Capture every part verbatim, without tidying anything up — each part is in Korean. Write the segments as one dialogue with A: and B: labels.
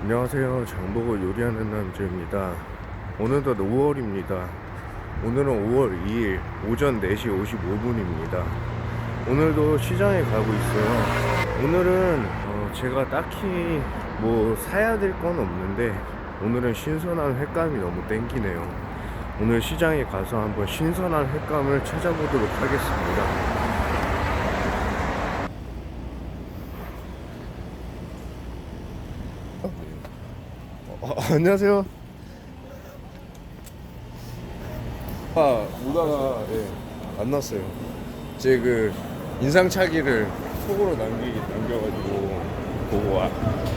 A: 안녕하세요. 장보고 요리하는 남자입니다. 오늘도 오월입니다. 오늘은 오월 이일 오전 네 시 오십오 분입니다. 오늘도 시장에 가고 있어요. 오늘은 어 제가 딱히 뭐 사야 될 건 없는데 오늘은 신선한 횟감이 너무 땡기네요. 오늘 시장에 가서 한번 신선한 횟감을 찾아보도록 하겠습니다. 어, 안녕하세요. 아, 오다가 예, 만났어요. 제 그 인상착의를 속으로 남기 남겨가지고 보고 와.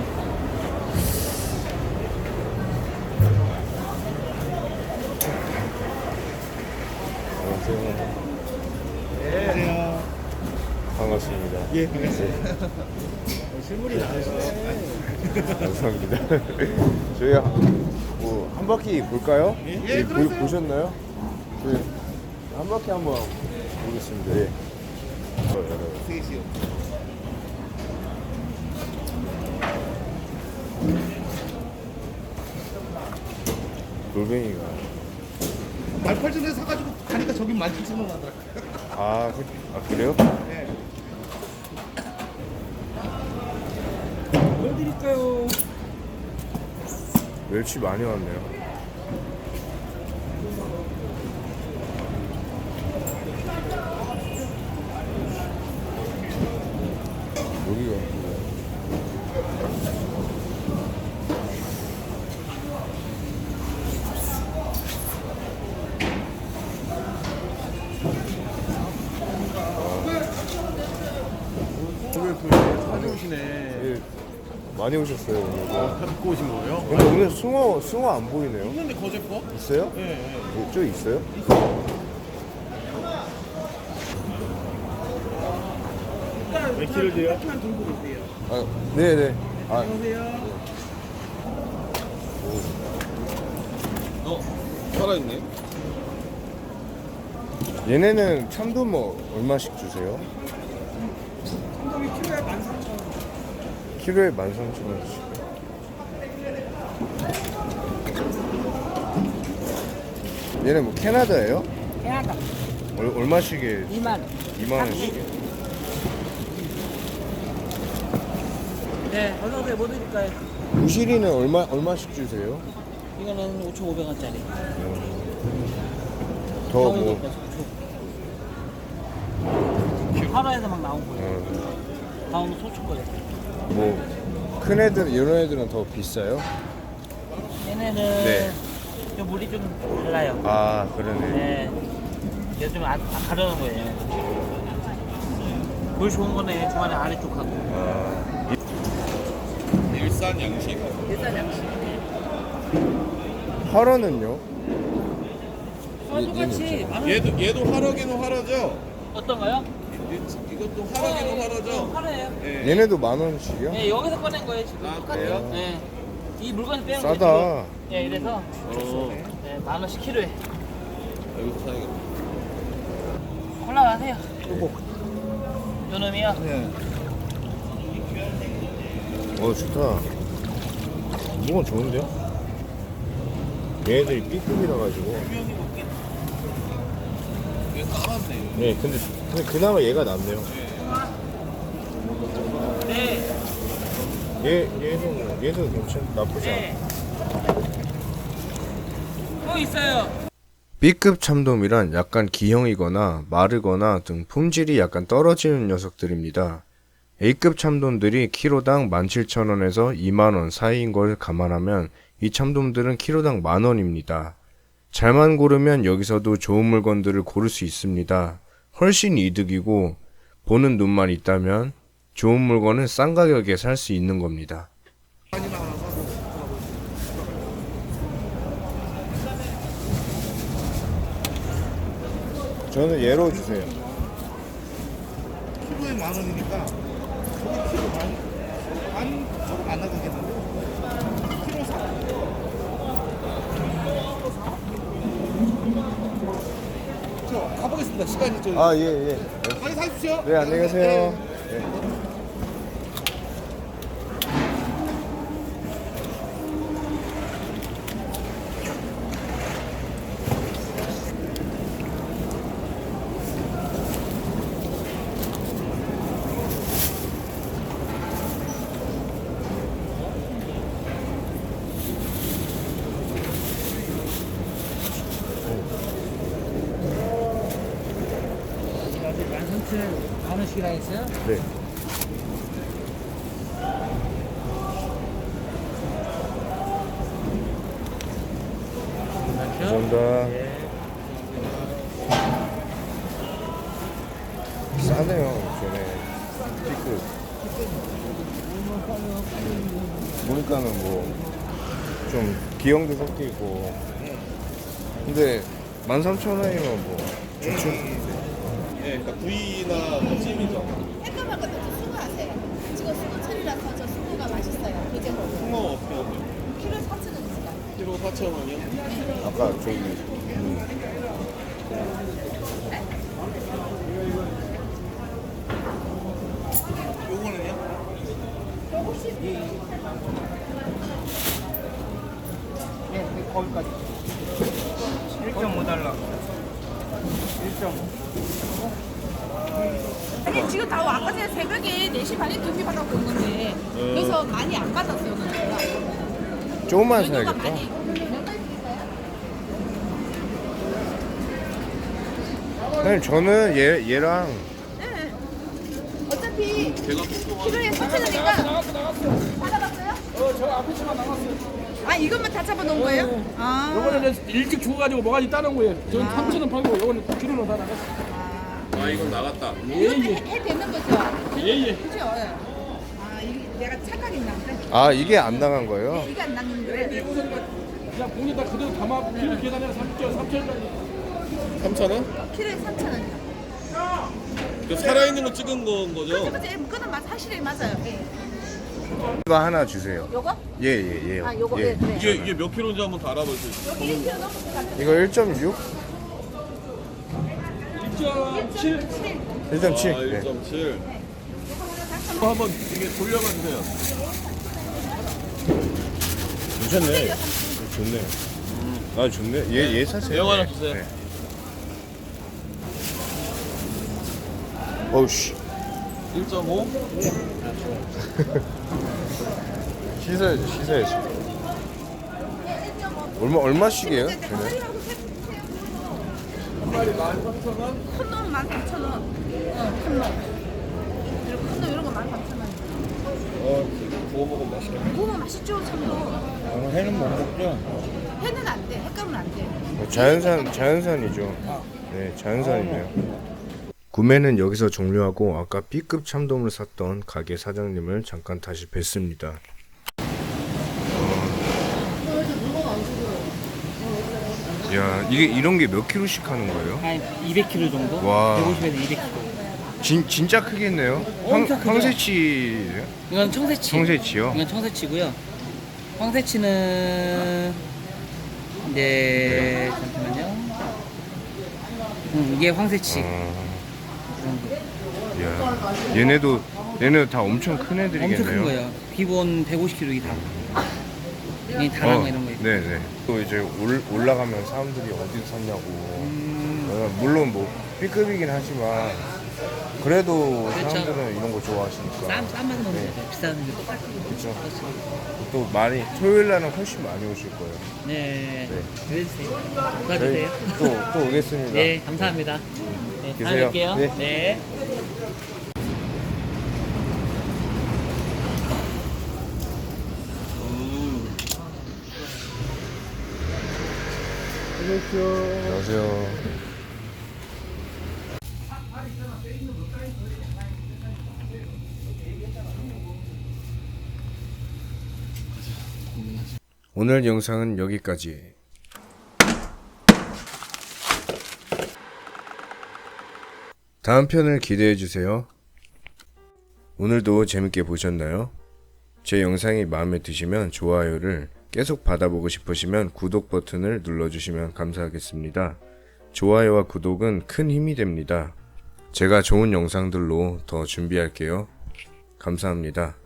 A: 안녕하세요.
B: 안녕하세요.
A: 반갑습니다.
B: 예, 반갑습니다. 실물이 나으시네.
A: 감사합니다. 저희 뭐 한 바퀴 볼까요?
B: 예,
A: 예, 보,
B: 그러세요.
A: 보셨나요? 저희 한 바퀴 한번 보겠습니다. 예.
B: 셋이요.
A: 돌멩이가
B: 말팔전에 사가지고 가니까 저긴 만 칠천 원 하더라고요.
A: 아, 그, 아 그래요?
B: 네.
C: 뭐 드릴까요?
A: 멸치 많이 왔네요. 여기가
B: 오늘 그 사주시네.
A: 예, 많이 오셨어요 오늘.
B: 다 듣고 오신 거예요?
A: 근데 오늘 숭어 숭어 안 보이네요.
B: 있는데 거제 거?
A: 있어요?
B: 예, 예.
A: 예, 저 있어요?
B: 몇 킬로 돼요?
C: 만 들고 오세요.
A: 아, 네네. 아,
C: 안녕하세요.
B: 어, 살아있네.
A: 얘네는 참돔 뭐 얼마씩 주세요?
C: 한동이 키로에 만 삼천 원.
A: 키로에 만 삼천 원씩. 얘네 뭐 캐나다예요?
C: 캐나다
A: 얼, 얼마씩에?
C: 이만 원.
A: 이만 원씩.
C: 네, 어서 오세요. 뭐 드릴까요?
A: 부시리는 얼마 얼마씩 주세요?
C: 이거는 오천오백 원짜리.
A: 더 뭐?
C: 하루에서 막 나온 거예요.
A: 어,
C: 다음은 소초 거예요.
A: 뭐, 큰 애들, 이런 애들은 더 비싸요?
C: 얘네는
A: 네.
C: 좀 물이 좀 달라요.
A: 아, 그러네.
C: 네. 얘 좀 아, 아, 가려는 거예요. 물 좋은 거는 중간에 아래쪽하고.
A: 아,
B: 일산 양식.
C: 일단 양식.
A: 화로는요?
C: 똑같이 만 원.
B: 얘도 얘도 화로기는 화로죠?
C: 어떤가요?
B: 이- 이것도 화로기는 화로죠?
C: 하루에요.
B: 네.
A: 얘네도 만 원씩이요?
C: 네, 여기서 꺼낸 거예요 지금.
B: 아,
C: 똑같아요.
B: 그래요?
C: 네. 이 물건 빼는
A: 싸다.
C: 거예요. 네, 이래서
B: 어,
C: 네, 만 원씩 키로에.
B: 여기서 사야겠다.
C: 올라가세요.
A: 요거.
C: 요 놈이요.
B: 네.
A: 어, 좋다. 이건 좋은데요? 얘네들이 B급이라 가지고.
B: 얘 까맣네.
A: 네, 근데, 근데 그나마 얘가 낫네요.
C: 네.
A: 얘, 얘도, 얘도 괜찮, 나쁘지 않아.
C: 네. 또 있어요.
A: B급 참돔이란 약간 기형이거나 마르거나 등 품질이 약간 떨어지는 녀석들입니다. A급 참돔들이 키로당 만 칠천 원에서 이만 원 사이인 걸 감안하면 이 참돔들은 키로당 만 원입니다. 잘만 고르면 여기서도 좋은 물건들을 고를 수 있습니다. 훨씬 이득이고 보는 눈만 있다면 좋은 물건은 싼 가격에 살 수 있는 겁니다. 저는 얘로 주세요.
B: 키로에 만 원이니까 저기 키로 만, 만 조금 안 나가겠는데? 키로 사. 저 가보겠습니다. 시간이 좀.
A: 아, 예, 예.
B: 많이 사십시오.
A: 네, 안녕히 가세요. 네.
C: 시키라 했어요?
A: 네. 감사합니다. 싸네요, 전에. B급. 보니까는 뭐, 좀 기형도 섞여 있고. 근데 만 삼천 원이면 뭐, 좋죠.
B: 네, 그러니까 구이나 뭐 찜이죠.
D: 햇감할 것도 좀 수고하세요. 지금 수고철이라서 저 수고가 맛있어요. 이제 먹고.
B: 홍어 어떻게 하세요?
D: 키로 사천 원 있어요.
B: 키로 사천 원이요?
A: 아까 저기, 음,
B: 요거는요?
C: 네, 거기까지. 일 점 오 달러. 일 점 오.
D: 아니 지금 다 아까 전에 새벽에 네 시 반에 준비 받았고 있는데 그래서 많이 안 받았어요. 오늘.
A: 조금만
D: 연휴가
A: 사야겠다.
D: 많이. 얼마나 드릴까요?
A: 사장님, 저는 얘, 얘랑
D: 네. 어차피
B: 제가 뚱뚱한
D: 키로에 사천 원이니까 다 잡았어요?
E: 어, 저 앞에 치마 나갔어요.
D: 아 이것만 다 잡아 놓은 거예요? 아.
E: 요거는 이제 일찍 죽어가지고 뭐가지 따는 거예요. 저는 삼천 원 팔고 요거는 키로로 다 나갔어요.
B: 아 이건 나갔다.
E: 예,
D: 이것도
E: 예.
D: 해, 해 되는 거죠?
E: 예, 예.
D: 그죠? 아 이게 내가 착각했나 보다.
A: 아, 이게 안 나간 거예요?
D: 이게 안 낫는 거예요?
E: 그냥 공에다 그대로 담아 키로 계산해서 삼천 원짜리.
B: 삼천 원?
D: 키로에 삼천 원이요.
B: 그 살아있는 거 찍은 건 거죠?
D: 그죠? 그거는 맞 사실이 맞아요. 예.
A: 이거 하나 주세요.
D: 요거?
A: 예, 예, 예.
D: 아 요거
A: 예.
D: 예, 그래.
B: 이게 이게 몇 킬로인지 한번 다 알아볼 수 있어요.
D: 여기 일 킬로 넘을 것 같아.
A: 이거 일 점 육?
E: 일 점 칠.
A: 일 점
B: 아,
A: 칠. 네.
B: 일 점 칠. 어, 한번 이게 돌려봐 주세요.
A: 괜찮네. 좋네. 아, 좋네. 얘, 얘 사세요.
B: 대형 하나
A: 네.
B: 주세요.
A: 네. 어우, 씨.
B: 일 점 오?
A: 씻어야지, 씻어야지. 얼마, 얼마씩이에요? 쟤네?
B: 한 마리 만 삼천 원?
D: 큰 놈은 만 삼천 원. 어, 큰 놈. 이렇게 큰 놈 이런 거 만 삼천 원.
B: 어, 구워 먹으면 맛있겠네.
D: 구우면 맛있죠, 참도.
A: 아, 회는 못 먹죠?
D: 회는 안 돼. 횟감은 안 돼.
A: 자연산, 자연산이죠. 네, 자연산이네요. 구매는 여기서 종료하고 아까 B급 참돔을 샀던 가게 사장님을 잠깐 다시 뵀습니다. 어... 야, 이게 이런 게 몇 킬로씩 하는 거예요?
C: 한 이백 킬로 정도?
A: 와.
C: 백오십에서 이백 킬로.
A: 진, 진짜 크겠네요. 황,
C: 엄청 크죠?
A: 황새치예요?
C: 이건 청새치.
A: 청새치요?
C: 이건 청새치고요. 황새치는 이제 잠시만요. 음, 이게 황새치.
A: 어...
C: 이 정도.
A: 야, 얘네도 얘네 다 엄청 큰 애들이겠네요.
C: 엄청 큰 거예요. 기본 백오십 킬로 이 다. 이 다랑 거 이런 거 있고.
A: 네네. 또 이제 올, 올라가면 사람들이 어디서 샀냐고.
C: 음,
A: 어, 물론 뭐 B급이긴 하지만 그래도
C: 그렇죠.
A: 사람들은 이런 거 좋아하시니까.
C: 싼, 싼 맛은 없는
A: 네.
C: 거죠. 비싼 게 똑같아요.
A: 그렇죠.
C: 그렇죠.
A: 또 많이 토요일 날은 훨씬 많이 오실 거예요.
C: 네.
A: 네.
C: 그래주세요.
A: 저희
C: 도와주세요.
A: 또, 또 오겠습니다.
C: 네, 감사합니다. 네, 다음에
A: 계세요.
C: 뵐게요.
A: 네.
C: 네.
A: 안녕하세요. 오늘 영상은 여기까지. 다음 편을 기대해 주세요. 오늘도 재밌게 보셨나요? 제 영상이 마음에 드시면 좋아요를, 계속 받아보고 싶으시면 구독 버튼을 눌러주시면 감사하겠습니다. 좋아요와 구독은 큰 힘이 됩니다. 제가 좋은 영상들로 더 준비할게요. 감사합니다.